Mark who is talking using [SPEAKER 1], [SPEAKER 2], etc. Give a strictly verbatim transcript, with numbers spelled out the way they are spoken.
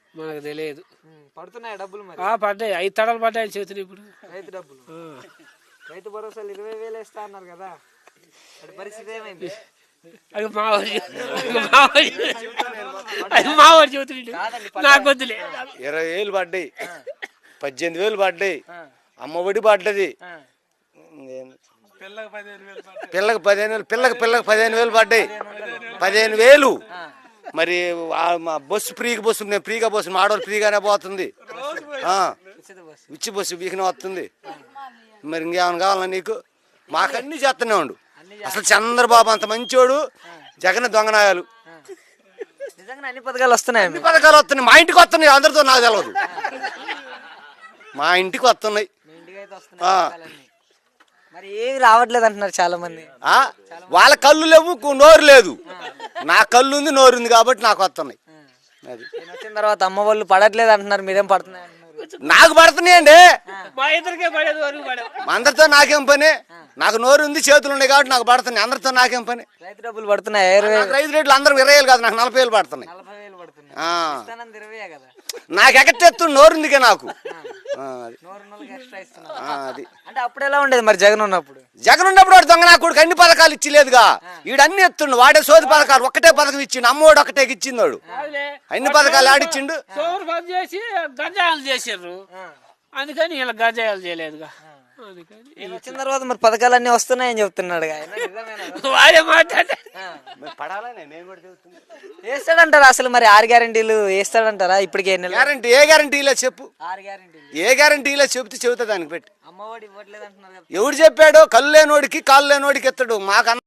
[SPEAKER 1] మనకు తెలియదు.
[SPEAKER 2] పడుతున్నాయి డబ్బులు మరి?
[SPEAKER 1] పడ్డాయి, ఐదు తడలు పడ్డాయి చేతులు. ఇప్పుడు
[SPEAKER 2] రైతు డబ్బులు, రైతు భరోసాలు ఇరవై వేలు వేస్తా అన్నారు కదా, అది పరిస్థితి ఏమైంది?
[SPEAKER 1] అది మావాడి మావాడి చేతులు నాకు వద్దులే.
[SPEAKER 3] ఇరవై వేలు పడ్డాయి, పద్దెనిమిది వేలు పడ్డాయి, అమ్మఒడి పడ్డది, పిల్లకి పదిహేను వేలు పిల్లకి పిల్లకి పదిహేను వేలు పడ్డాయి. పదిహేను వేలు మరి బస్సు ఫ్రీగా బస్సు నేను ఫ్రీగా బస్సు మా ఆడవాళ్ళు ఫ్రీగానే పోతుంది, ఉచ్చి బస్సు వీకనే వస్తుంది. మరి ఇంకేమైనా కావాలా నీకు? మాకన్నీ చేస్తూనే ఉండు. అసలు చంద్రబాబు అంత మంచోడు, జగన్ దొంగనాయాలు.
[SPEAKER 2] అన్ని పథకాలు వస్తున్నాయి,
[SPEAKER 3] అన్ని పథకాలు వస్తున్నాయి. మా ఇంటికి వస్తున్నాయి, అందరితో నాకు తెలియదు. మా ఇంటికి వస్తున్నాయి.
[SPEAKER 2] మరి ఏమి రావట్లేదు అంటున్నారు చాలా మంది.
[SPEAKER 3] వాళ్ళ కళ్ళు లేవు, నోరు లేదు. నా కళ్ళు ఉంది, నోరు ఉంది కాబట్టి నాకు వస్తున్నాయి. అది
[SPEAKER 2] వచ్చిన తర్వాత అమ్మ వాళ్ళు పడట్లేదు అంటున్నారు, మీరేం పడుతున్నాయి అంటున్నారు?
[SPEAKER 3] నాకు పడుతున్నాయండి,
[SPEAKER 1] మా ఇద్దరికే పడేది, వరకు పడేది.
[SPEAKER 3] అందరితో నాకేం పని? నాకు నోరు ఉంది, చేతులు ఉన్నాయి కాబట్టి నాకు పడుతున్నాయి. అందరితో నాకేం పని?
[SPEAKER 2] రైతు డబ్బులు పడుతున్నాయి,
[SPEAKER 3] రైతు రేట్లు అందరూ ఇరవై వేలు కాదు, నాకు నలభై వేలు పడుతున్నాయి. నాకు ఎగట్టెత్తు నోరు ఉందిగా నాకు. అది
[SPEAKER 2] అంటే అప్పుడు ఎలా ఉండేది మరి జగన్ ఉన్నప్పుడు?
[SPEAKER 3] జగన్ ఉన్నప్పుడు వాడు దొంగ నాకు అన్ని పథకాలు ఇచ్చిలేదుగా. వీడన్ని ఎత్తుండు, వాడే సోది పథకాలు ఒక్కటే పథకం ఇచ్చిండు, అమ్మోడు ఒకటే ఇచ్చింది. వాడు అన్ని పథకాలు ఆడిచ్చిండు.
[SPEAKER 1] సోమరు పని చేసి గంజాయాలు చేసారు, అందుకని ఇలా గంజాయాలు చేయలేదుగా.
[SPEAKER 2] వచ్చిన తర్వాత మరి పథకాలన్నీ వస్తున్నాయని చెప్తున్నాడు.
[SPEAKER 1] వాడే మాట్లాడే
[SPEAKER 2] వేస్తాడంటారా అసలు? మరి ఆరు గ్యారెంటీలు వేస్తాడంటారా ఇప్పటికే?
[SPEAKER 3] గ్యారెంటీ ఏ గ్యారెంటీలో చెప్పు,
[SPEAKER 2] ఆరు గ్యారెంటీలు
[SPEAKER 3] ఏ గ్యారెంటీలో చెప్తే చెబుతా దానికి పెట్టి.
[SPEAKER 2] అమ్మఒడి ఇవ్వట్లేదు అంటున్నారు.
[SPEAKER 3] ఎవడు చెప్పాడు? కళ్ళు లేనోడికి కాళ్ళు లేనోడికి ఎత్తడు. మాకు